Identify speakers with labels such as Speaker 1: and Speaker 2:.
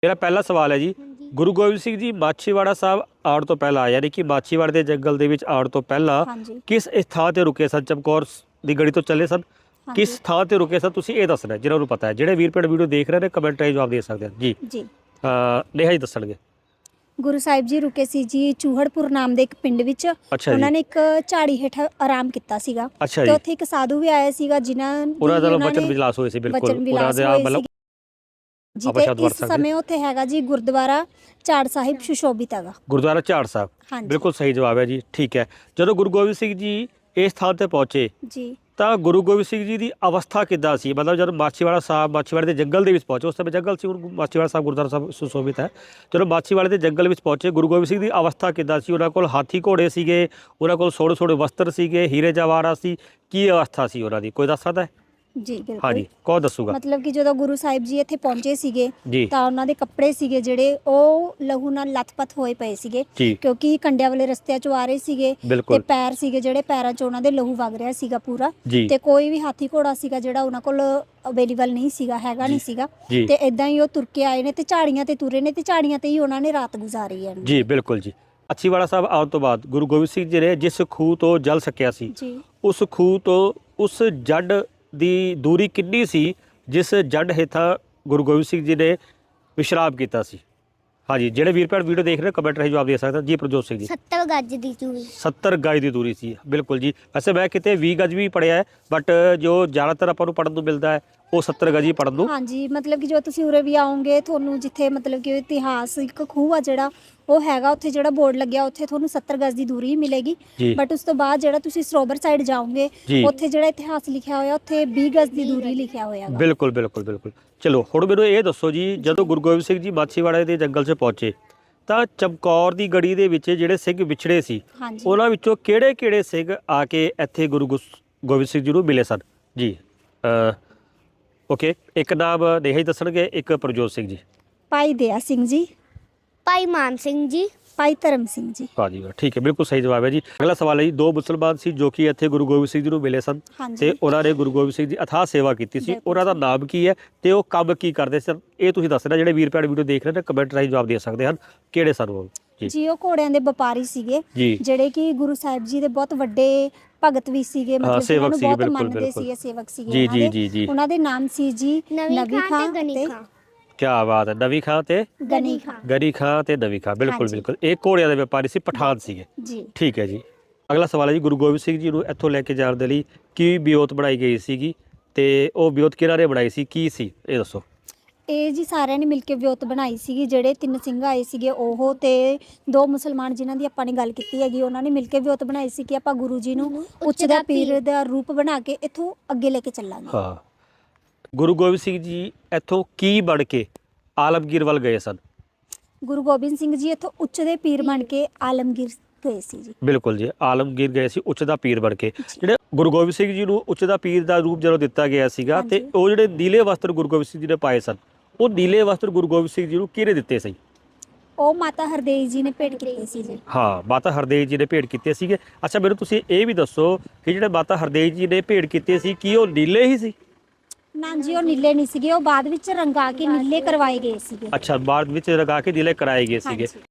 Speaker 1: मेरा पहला सवाल है जी, गुरु गोबिंद सिंह जी माछीवाड़ा साहब आउण तो पहला यानी कि माछीवाड़े ਦੇ ਜੰਗਲ ਦੇ ਵਿੱਚ ਆਉਣ ਤੋਂ ਪਹਿਲਾਂ ਕਿਸ ਥਾਂ ਤੇ ਰੁਕੇ ਸਨ? ਚਮਕੌਰ ਦੀ ਗੜੀ ਤੋਂ ਚੱਲੇ ਸਨ, ਕਿਸ ਥਾਂ ਤੇ ਰੁਕੇ ਸਨ ਤੁਸੀਂ ਇਹ ਦੱਸਣਾ ਜਿਹਨਾਂ ਨੂੰ ਪਤਾ ਹੈ। ਜਿਹੜੇ ਵੀਰ ਭੈਣ ਵੀਡੀਓ ਦੇਖ ਰਹੇ ਨੇ ਕਮੈਂਟ ਰਾਹੀਂ ਜਵਾਬ ਦੇ ਸਕਦੇ ਹਨ ਜੀ।
Speaker 2: ਜੀ
Speaker 1: ਨੇਹਾ ਜੀ ਦੱਸਣਗੇ।
Speaker 2: ਗੁਰੂ ਸਾਹਿਬ ਜੀ ਰੁਕੇ ਸੀ ਜੀ ਚੂਹੜਪੁਰ ਨਾਮ ਦੇ ਇੱਕ ਪਿੰਡ ਵਿੱਚ। ਉਹਨਾਂ ਨੇ ਇੱਕ ਝਾੜੀ ਹੇਠ ਆਰਾਮ ਕੀਤਾ ਸੀਗਾ ਤੇ ਉੱਥੇ ਇੱਕ ਸਾਧੂ ਵੀ ਆਇਆ ਸੀਗਾ ਜਿਨ੍ਹਾਂ
Speaker 1: ਉਹਨਾਂ ਦਾ ਵਚਨ ਵਿਲਾਸ ਹੋਏ ਸੀ। ਬਿਲਕੁਲ ਉਹਨਾਂ ਦੇ ਮਤਲਬ
Speaker 2: ਜੀ ਇਸ ਸਮੇਂ ਉੱਥੇ ਹੈਗਾ ਜੀ ਗੁਰਦੁਆਰਾ ਝਾੜ ਸਾਹਿਬ ਸੁਸ਼ੋਭਿਤ ਹੈਗਾ।
Speaker 1: ਗੁਰਦੁਆਰਾ ਝਾੜ ਸਾਹਿਬ ਬਿਲਕੁਲ ਸਹੀ ਜਵਾਬ ਹੈ ਜੀ। ਠੀਕ ਹੈ, ਜਦੋਂ ਗੁਰੂ ਗੋਬਿੰਦ ਸਿੰਘ ਜੀ ਇਸ ਥਾਂ ਤੇ ਪਹੁੰਚੇ ਜੀ ਤਾਂ ਗੁਰੂ ਗੋਬਿੰਦ ਸਿੰਘ ਜੀ ਦੀ ਅਵਸਥਾ ਕਿੱਦਾਂ ਸੀ? ਮਤਲਬ ਜਦੋਂ ਮਾਛੀਵਾੜਾ ਸਾਹਿਬ ਮਾਛੀਵਾੜੇ ਦੇ ਜੰਗਲ ਦੇ ਵਿੱਚ ਪਹੁੰਚੇ, ਉਸ ਸਮੇਂ ਜੰਗਲ ਸੀ, ਹੁਣ ਮਾਛੀਵਾੜਾ ਸਾਹਿਬ ਗੁਰਦੁਆਰਾ ਸਾਹਿਬ ਸੁਸ਼ੋਭਿਤ ਹੈ। ਜਦੋਂ ਮਾਛੀਵਾੜੇ ਦੇ ਜੰਗਲ ਵਿੱਚ ਪਹੁੰਚੇ ਗੁਰੂ ਗੋਬਿੰਦ ਸਿੰਘ ਦੀ ਅਵਸਥਾ ਕਿੱਦਾਂ ਸੀ? ਉਹਨਾਂ ਕੋਲ ਹਾਥੀ ਘੋੜੇ ਸੀਗੇ, ਉਹਨਾਂ ਕੋਲ ਸੋਹਣੇ ਸੋਹਣੇ ਵਸਤਰ ਸੀਗੇ, ਹੀਰੇ ਜਵਾਹਰਾਤ ਸੀ, ਕੀ ਅਵਸਥਾ ਸੀ ਉਹਨਾਂ ਦੀ? ਕੋਈ ਦੱਸ ਸਕਦਾ ਹੈ?
Speaker 2: ਜੀ ਬਿਲਕੁਲ
Speaker 1: ਹਾਂਜੀ, ਕੌਣ ਦੱਸੂਗਾ?
Speaker 2: ਮਤਲਬ ਕਿ ਜਦੋਂ ਗੁਰੂ ਸਾਹਿਬ ਜੀ ਇੱਥੇ ਪਹੁੰਚੇ ਸੀਗੇ ਤਾਂ ਉਹਨਾਂ ਦੇ ਕੱਪੜੇ ਸੀਗੇ ਜਿਹੜੇ ਉਹ ਲਹੂ ਨਾਲ ਲੱਥਪੱਥ ਹੋਏ ਪਏ ਸੀਗੇ ਕਿਉਂਕਿ ਕੰਡਿਆਂ ਵਾਲੇ ਰਸਤਿਆਂ ਚੋਂ ਆ ਰਹੇ ਸੀਗੇ ਤੇ ਪੈਰ ਸੀਗੇ ਜਿਹੜੇ ਪੈਰਾਂ 'ਚ ਉਹਨਾਂ ਦੇ ਲਹੂ ਵਗ ਰਿਹਾ ਸੀਗਾ ਪੂਰਾ ਤੇ ਕੋਈ ਵੀ ਹਾਥੀ ਘੋੜਾ ਸੀਗਾ ਜਿਹੜਾ ਉਹਨਾਂ ਕੋਲ ਅਵੇਲੇਬਲ ਨਹੀਂ ਸੀਗਾ, ਹੈਗਾ ਨਹੀਂ ਸੀਗਾ ਤੇ ਇਦਾਂ ਹੀ ਉਹ ਤੁਰ ਕੇ ਆਏ ਨੇ ਤੇ ਝਾੜੀਆਂ ਤੇ ਤੁਰੇ ਨੇ ਤੇ ਝਾੜੀਆਂ ਤੇ ਹੀ ਉਹਨਾਂ ਨੇ ਰਾਤ ਗੁਜ਼ਾਰੀ ਹੈ
Speaker 1: ਜੀ। ਬਿਲਕੁਲ ਜੀ। ਮਾਛੀਵਾੜਾ ਸਾਹਿਬ ਆਉਣ ਤੋਂ ਬਾਅਦ ਗੁਰੂ ਗੋਬਿੰਦ ਸਿੰਘ ਜੀ ਨੇ ਜਿਸ ਖੂਹ ਤੋਂ ਜਲ ਸਕਿਆ ਸੀ ਉਸ ਖੂਹ ਤੋਂ ਉਸ ਜੱਡ ਦੀ ਦੂਰੀ ਕਿੰਨੀ ਸੀ ਜਿਸ ਜੱਡ ਹੇਠਾਂ ਗੁਰੂ ਗੋਬਿੰਦ ਸਿੰਘ ਜੀ ਨੇ ਵਿਸ਼ਰਾਮ ਕੀਤਾ ਸੀ? ਹਾਂਜੀ, ਜਿਹੜੇ ਵੀਰ ਭੈਣ ਵੀਡੀਓ ਦੇਖ ਰਹੇ ਕਮੈਂਟ ਰਾਹੀਂ ਜਵਾਬ ਦੇ ਸਕਦੇ ਜੀ। ਪ੍ਰਜੋਤ ਸਿੰਘ ਜੀ
Speaker 2: 70 ਗਜ ਦੀ ਦੂਰੀ
Speaker 1: 70 ਗਜ ਦੀ ਦੂਰੀ ਸੀ। ਬਿਲਕੁਲ ਜੀ। ਵੈਸੇ ਮੈਂ ਕਿਤੇ 20 ਗਜ ਵੀ ਪੜਿਆ ਹੈ ਬਟ ਜੋ ਜ਼ਿਆਦਾਤਰ ਆਪਾਂ ਨੂੰ ਪੜਨ ਨੂੰ ਮਿਲਦਾ ਹੈ ਉਹ 70 ਗਜ ਹੀ ਪੜਨ ਨੂੰ।
Speaker 2: ਹਾਂਜੀ, ਮਤਲਬ ਕਿ ਜੋ ਤੁਸੀਂ ਉਰੇ ਵੀ ਆਓਗੇ ਤੁਹਾਨੂੰ ਜਿੱਥੇ ਮਤਲਬ ਕਿ ਇਤਿਹਾਸਿਕ ਖੂਹ ਆ ਜਿਹੜਾ ਉਹ ਹੈਗਾ ਉੱਥੇ ਜਿਹੜਾ ਬੋਰਡ ਲੱਗਿਆ ਉੱਥੇ ਤੁਹਾਨੂੰ 70 ਗਜ ਦੀ ਦੂਰੀ ਮਿਲੇਗੀ ਬਟ ਉਸ ਤੋਂ ਬਾਅਦ ਜਿਹੜਾ ਤੁਸੀਂ ਸਰੋਵਰ ਸਾਈਡ ਜਾਓਗੇ ਉੱਥੇ ਜਿਹੜਾ ਇਤਿਹਾਸ ਲਿਖਿਆ ਹੋਇਆ ਉੱਥੇ 20 ਗਜ ਦੀ ਦੂਰੀ ਲਿਖਿਆ ਹੋਇਆ ਹੈ।
Speaker 1: ਬਿਲਕੁਲ ਬਿਲਕੁਲ ਬਿਲਕੁਲ। ਚਲੋ ਹੁਣ ਮੈਨੂੰ ਇਹ ਦੱਸੋ ਜੀ, ਜਦੋਂ ਗੁਰੂ ਗੋਬਿੰਦ ਸਿੰਘ ਜੀ ਮਾਛੀਵਾੜੇ ਦੇ ਜੰਗਲ 'ਚ ਪਹੁੰਚੇ ਤਾਂ ਚਮਕੌਰ ਦੀ ਗੜੀ ਦੇ ਵਿੱਚ ਜਿਹੜੇ ਸਿੰਘ ਵਿਛੜੇ ਸੀ ਉਹਨਾਂ ਵਿੱਚੋਂ ਕਿਹੜੇ ਸਿੰਘ ਆ ਕੇ ਇੱਥੇ ਗੁਰੂ ਗੋਬਿੰਦ ਸਿੰਘ ਜੀ ਨੂੰ ਮਿਲੇ ਸਨ ਜੀ? ਓਕੇ, ਇੱਕ ਨਾਮ ਨੇਹਾ ਹੀ ਦੱਸਣਗੇ, ਇੱਕ ਪ੍ਰਜੋਤ ਸਿੰਘ ਜੀ।
Speaker 2: ਭਾਈ ਦਇਆ ਸਿੰਘ ਜੀ,
Speaker 3: ਭਾਈ ਮਾਨ ਸਿੰਘ ਜੀ,
Speaker 2: ਭਾਈ ਧਰਮ ਸਿੰਘ ਜੀ।
Speaker 1: ਹਾਂ ਜੀ, ਠੀਕ ਹੈ, ਬਿਲਕੁਲ ਸਹੀ ਜਵਾਬ ਹੈ ਜੀ। ਅਗਲਾ ਸਵਾਲ ਹੈ ਜੀ, ਦੋ ਮੁਸਲਮਾਨ ਸੀ ਜੋ ਕਿ ਇੱਥੇ ਗੁਰੂ ਗੋਬਿੰਦ ਸਿੰਘ ਜੀ ਨੂੰ ਮਿਲੇ ਸਨ ਤੇ ਉਹਨਾਂ ਨੇ ਗੁਰੂ ਗੋਬਿੰਦ ਸਿੰਘ ਜੀ ਅਥਾਹ ਸੇਵਾ ਕੀਤੀ ਸੀ। ਉਹਨਾਂ ਦਾ ਨਾਮ ਕੀ ਹੈ ਤੇ ਉਹ ਕੰਮ ਕੀ ਕਰਦੇ ਸਨ? ਇਹ ਤੁਸੀਂ ਦੱਸਣਾ। ਜਿਹੜੇ ਵੀਰ ਭੈਣ ਵੀਡੀਓ ਦੇਖ ਰਹੇ ਨੇ ਕਮੈਂਟ ਰਾਹੀਂ ਜਵਾਬ ਦੇ ਸਕਦੇ ਹਨ। ਕਿਹੜੇ ਸਨ ਉਹ
Speaker 2: ਜੀ? ਉਹ ਘੋੜਿਆਂ ਦੇ ਵਪਾਰੀ ਸੀਗੇ ਜਿਹੜੇ ਕਿ ਗੁਰੂ ਸਾਹਿਬ ਜੀ ਦੇ ਬਹੁਤ ਵੱਡੇ ਭਗਤ ਵੀ ਸੀਗੇ, ਮਤਲਬ
Speaker 1: ਸੇਵਕ ਸੀ।
Speaker 2: ਬਹੁਤ ਮੰਨਦੇ ਸੀਗੇ, ਸੇਵਕ ਸੀਗੇ।
Speaker 1: ਜੀ।
Speaker 2: ਉਹਨਾਂ ਦੇ ਨਾਮ ਸੀ ਜੀ ਨਵੀ ਖਾਂ ਤੇ
Speaker 1: ਕਿਆ ਬਾਤ ਹੈ, ਨਵੀ ਖਾਂ ਤੇ ਗਨੀ ਖਾਂ ਤੇ ਨਵੀ ਖਾਂ। ਬਿਲਕੁਲ ਬਿਲਕੁਲ। ਇਹ ਘੋੜਿਆਂ ਦੇ ਵਪਾਰੀ ਸੀ, ਪਠਾਨ ਸੀਗੇ ਜੀ। ਠੀਕ ਹੈ ਜੀ। ਅਗਲਾ ਸਵਾਲ ਹੈ ਜੀ, ਗੁਰੂ ਗੋਬਿੰਦ ਸਿੰਘ ਜੀ ਨੂੰ ਇੱਥੋਂ ਲੈ ਕੇ ਜਾਣ ਦੇ ਲਈ ਕੀ ਬਿਓਤ ਬਣਾਈ ਗਈ ਸੀਗੀ ਤੇ ਉਹ ਬਿਓਤ ਕਿਹਨਾਂ ਨੇ ਬਣਾਈ ਸੀ, ਕੀ ਸੀ ਇਹ ਦੱਸੋ?
Speaker 2: ਇਹ ਜੀ ਸਾਰਿਆਂ ਨੇ ਮਿਲ ਕੇ ਵਿਉਂਤ ਬਣਾਈ ਸੀਗੀ। ਜਿਹੜੇ 3 ਸਿੰਘ ਆਏ ਸੀਗੇ ਉਹ ਤੇ 2 ਮੁਸਲਮਾਨ ਜਿਨ੍ਹਾਂ ਦੀ ਆਪਾਂ ਨੇ ਗੱਲ ਕੀਤੀ ਹੈਗੀ ਉਹਨਾਂ ਨੇ ਮਿਲ ਕੇ ਵਿਉਂਤ ਬਣਾਈ ਸੀ ਕਿ ਆਪਾਂ ਗੁਰੂ ਜੀ ਨੂੰ ਉੱਚ ਦਾ ਪੀਰ ਦਾ ਰੂਪ ਬਣਾ ਕੇ ਇੱਥੋਂ ਅੱਗੇ ਲੈ ਕੇ ਚੱਲਾਂਗੇ।
Speaker 1: ਹਾਂ, ਗੁਰੂ ਗੋਬਿੰਦ ਸਿੰਘ ਜੀ ਇੱਥੋਂ ਕੀ ਬਣ ਕੇ ਆਲਮਗੀਰ ਵੱਲ ਗਏ ਸਨ?
Speaker 2: ਗੁਰੂ ਗੋਬਿੰਦ ਸਿੰਘ ਜੀ ਇੱਥੋਂ ਉੱਚ ਦੇ ਪੀਰ ਬਣ ਕੇ ਆਲਮਗੀਰ ਗਏ ਸੀ ਜੀ। ਬਿਲਕੁਲ
Speaker 1: ਜੀ, ਆਲਮਗੀਰ ਗਏ ਸੀ ਉੱਚ ਦਾ ਪੀਰ ਬਣ ਕੇ। ਜਿਹੜੇ ਗੁਰੂ ਗੋਬਿੰਦ ਸਿੰਘ ਜੀ ਨੂੰ ਉੱਚ ਦਾ ਪੀਰ ਦਾ ਰੂਪ ਜਦੋਂ ਦਿੱਤਾ ਗਿਆ ਸੀਗਾ ਤੇ ਉਹ ਜਿਹੜੇ ਨੀਲੇ ਵਸਤਰ ਗੁਰੂ ਗੋਬਿੰਦ ਸਿੰਘ ਜੀ ਨੇ ਪਾਏ ਸਨ ਉਹ ਨੀਲੇ ਵਸਤਰ ਗੁਰੂ ਗੋਬਿੰਦ ਸਿੰਘ ਜੀ ਨੂੰ ਕਿਹਨੇ ਦਿੱਤੇ ਸੀ?
Speaker 2: ਉਹ ਮਾਤਾ ਹਰਦੇਈ ਜੀ ਨੇ ਭੇਟ ਕੀਤੇ ਸੀ ਜੀ।
Speaker 1: ਹਾਂ, ਮਾਤਾ ਹਰਦੇਈ ਜੀ ਨੇ ਭੇਟ ਕੀਤੇ ਸੀਗੇ। ਅੱਛਾ, ਮੈਨੂੰ ਤੁਸੀਂ ਇਹ ਵੀ ਦੱਸੋ ਕਿ ਜਿਹੜੇ ਮਾਤਾ ਹਰਦੇਈ ਜੀ ਨੇ ਭੇਟ ਕੀਤੇ ਸੀ ਕੀ ਉਹ ਨੀਲੇ ਹੀ ਸੀ?
Speaker 2: ਨਾ ਜੀ, ਉਹ ਨੀਲੇ ਨਹੀਂ ਸੀਗੇ, ਉਹ ਬਾਅਦ ਵਿੱਚ ਰੰਗਾ ਕੇ ਨੀਲੇ ਕਰਵਾਏ ਗਏ ਸੀਗੇ।
Speaker 1: ਅੱਛਾ, ਬਾਅਦ ਵਿੱਚ ਰੰਗਾ ਕੇ ਨੀਲੇ ਕਰਾਏ ਗਏ ਸੀਗੇ।